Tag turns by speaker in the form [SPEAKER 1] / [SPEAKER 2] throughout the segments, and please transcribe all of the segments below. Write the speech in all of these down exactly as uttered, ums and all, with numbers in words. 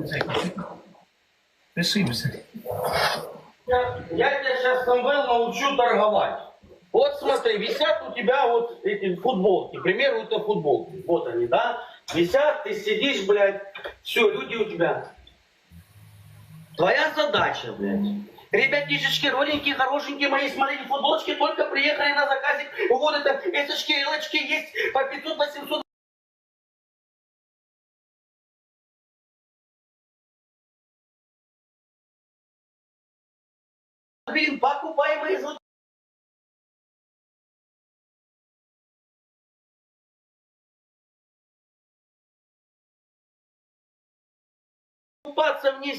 [SPEAKER 1] Решимся.
[SPEAKER 2] Я, я тебя сейчас, Самвел, научу торговать. Вот смотри, висят у тебя вот эти футболки. К примеру, это футболки. Вот они, да? Висят, ты сидишь, блядь. Все, люди у тебя. Твоя задача, блядь. Ребятишечки, родненькие, хорошенькие мои, смотрите, футболочки только приехали на заказик. Вот это, эсочки, элочки есть по пятьсот-восемьсот. Блин, покупаемые за... Купаться вниз.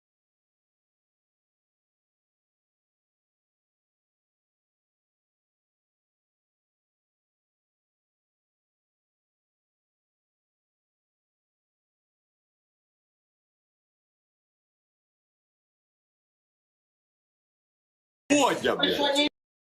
[SPEAKER 3] Водя, блядь.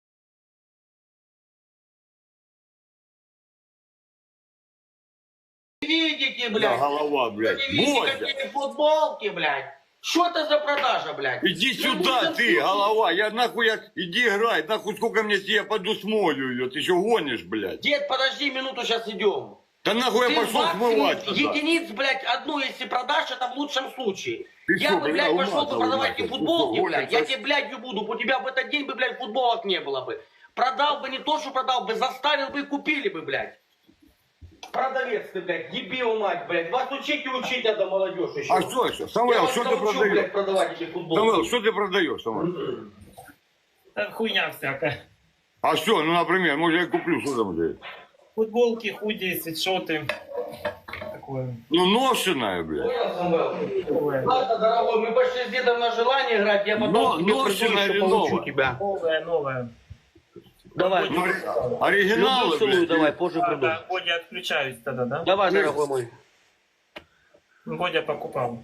[SPEAKER 2] Видите, блядь?
[SPEAKER 3] Да, голова, блядь.
[SPEAKER 2] Вы видите,
[SPEAKER 3] Водя.
[SPEAKER 2] какие футболки, блядь? Что это за продажа, блядь?
[SPEAKER 3] Иди
[SPEAKER 2] Вы
[SPEAKER 3] сюда,
[SPEAKER 2] будете
[SPEAKER 3] ты,
[SPEAKER 2] слушать?
[SPEAKER 3] голова. Я нахуй, я... Иди играй. Нахуй сколько мне тебе, я пойду смолю ее. Ты еще гонишь, блядь.
[SPEAKER 2] Дед, подожди минуту, сейчас идем.
[SPEAKER 3] Да нахуй
[SPEAKER 2] Ты
[SPEAKER 3] я пошел
[SPEAKER 2] максимум
[SPEAKER 3] смывать тогда.
[SPEAKER 2] единиц, блядь, одну, если продашь, это в лучшем случае.
[SPEAKER 3] Ты
[SPEAKER 2] я
[SPEAKER 3] что,
[SPEAKER 2] бы,
[SPEAKER 3] блядь,
[SPEAKER 2] блядь, пошел бы
[SPEAKER 3] уматывай
[SPEAKER 2] продавать
[SPEAKER 3] нахуй.
[SPEAKER 2] эти
[SPEAKER 3] Ты
[SPEAKER 2] футболки,
[SPEAKER 3] что,
[SPEAKER 2] блядь.
[SPEAKER 3] гонишь?
[SPEAKER 2] Я тебе, блядь, буду. У тебя в этот день бы, блядь, футболок не было бы. Продал бы не то, что продал бы, заставил бы и купили бы, блядь. Продавец ты, блядь, дебил, мать, блядь. Вас учить и учить надо, молодежь еще.
[SPEAKER 3] А что еще?
[SPEAKER 2] Я
[SPEAKER 3] Самвел,
[SPEAKER 2] вас
[SPEAKER 3] что ты
[SPEAKER 2] научу,
[SPEAKER 3] продаешь?
[SPEAKER 2] блядь, продавать эти футболки.
[SPEAKER 3] Самвел, что ты продаешь, Самвел?
[SPEAKER 1] Да хуйня всякая.
[SPEAKER 3] А что, ну, например, может, я куплю, что там здесь?
[SPEAKER 1] Футболки, худи, свитшоты. Такое.
[SPEAKER 3] Ну, ношеная, блядь.
[SPEAKER 2] Понял, Самвел?
[SPEAKER 1] Такое.
[SPEAKER 2] Ладно, дорогой, мы пошли с дедом на желание играть, я потом
[SPEAKER 3] Но-
[SPEAKER 2] тебе
[SPEAKER 3] ношеная
[SPEAKER 2] приду,
[SPEAKER 3] или
[SPEAKER 2] еще получу
[SPEAKER 3] новая?
[SPEAKER 2] тебя.
[SPEAKER 1] Новое, новое.
[SPEAKER 2] Давай,
[SPEAKER 3] Ну,
[SPEAKER 2] люблю
[SPEAKER 3] оригиналы,
[SPEAKER 2] целую,
[SPEAKER 3] блядь.
[SPEAKER 2] давай, позже
[SPEAKER 1] А,
[SPEAKER 2] приду.
[SPEAKER 1] да, Бодя, отключаюсь тогда, да?
[SPEAKER 2] Давай, дорогой мой.
[SPEAKER 1] Бодя покупал.